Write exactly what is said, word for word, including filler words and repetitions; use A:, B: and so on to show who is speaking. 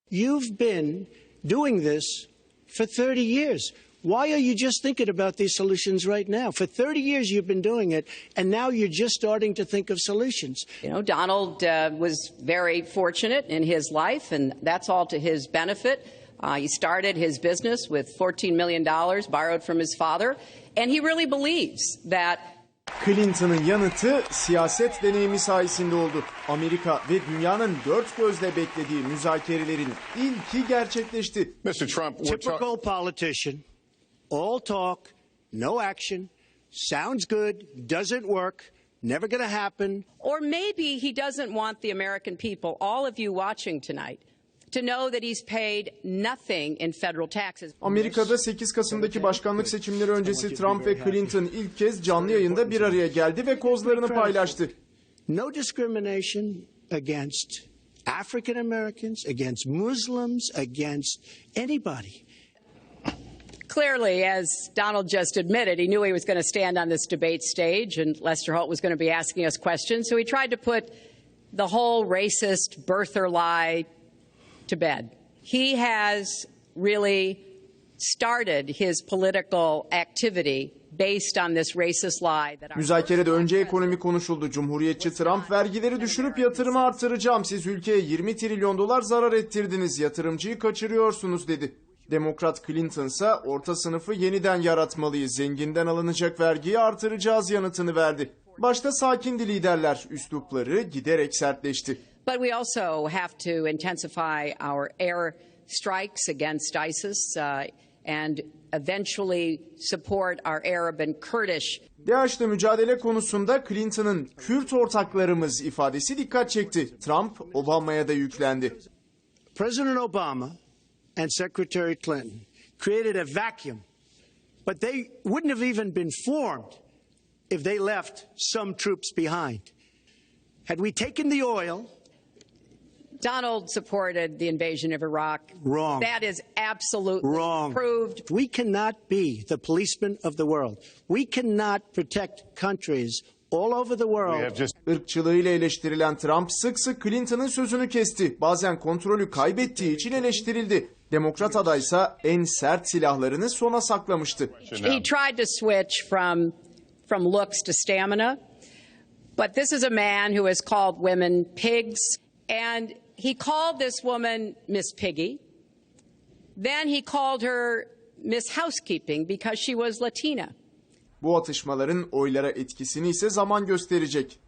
A: You've been doing this for thirty years. Why are you just thinking about these solutions right now? For thirty years you've been doing it, and now you're just starting to think of solutions.
B: You know, Donald uh, was very fortunate in his life, and that's all to his benefit. Uh, he started his business with fourteen million dollars borrowed from his father, and he really believes that
C: Clinton'ın yanıtı siyaset deneyimi sayesinde oldu. Amerika ve dünyanın dört gözle beklediği müzakerelerin ilki gerçekleşti.
D: mister Trump,
A: typical politician, all talk, no action, sounds good, doesn't work, never going to happen.
B: Or maybe he doesn't want the American people, all of you watching tonight, to know that he's paid nothing in federal taxes.
C: Amerika'da sekiz Kasım'daki başkanlık seçimleri öncesi Trump ve Clinton ilk kez canlı yayında bir araya geldi ve kozlarını paylaştı.
A: No discrimination against African Americans, against Muslims, against anybody.
B: Clearly, as Donald just admitted, he knew he was going to stand on this debate stage and Lester Holt was going to be asking us questions. So he tried to put the whole racist birther lie to bed. He has really started his political activity based on this racist lie. That
C: Müzakerede önce ekonomi konuşuldu. Cumhuriyetçi Trump vergileri düşürüp yatırımı artıracağım. Siz ülkeye yirmi trilyon dolar zarar ettirdiniz. Yatırımcıyı kaçırıyorsunuz dedi. Demokrat Clinton ise orta sınıfı yeniden yaratmalıyız. Zenginden alınacak vergiyi artıracağız yanıtını verdi. Başta sakindi liderler, üslupları giderek sertleşti.
B: But we also have to intensify our air strikes against ISIS uh, and eventually support our Arab and Kurdish.
C: DAEŞ'le mücadele konusunda Clinton'ın Kürt ortaklarımız ifadesi dikkat çekti. Trump, Obama'ya da yüklendi.
A: President Obama and Secretary Clinton created a vacuum, but they wouldn't have even been formed if they left some troops behind. Had we taken the oil,
B: Donald supported the invasion of Iraq.
A: Wrong.
B: That is absolutely
A: Wrong.
B: proved.
A: We cannot be the policemen of the world. We cannot protect countries all over the world.
D: just...
C: Irkçılığıyla eleştirilen Trump sık sık Clinton'ın sözünü kesti. Bazen kontrolü kaybettiği için eleştirildi. Demokrat adaysa en sert silahlarını sona saklamıştı.
B: He tried to switch from from looks to stamina. But this is a man who has called women pigs, and he called this woman Miss Piggy. Then he called her Miss Housekeeping because she was Latina.
C: Bu atışmaların oylara etkisini ise zaman gösterecek.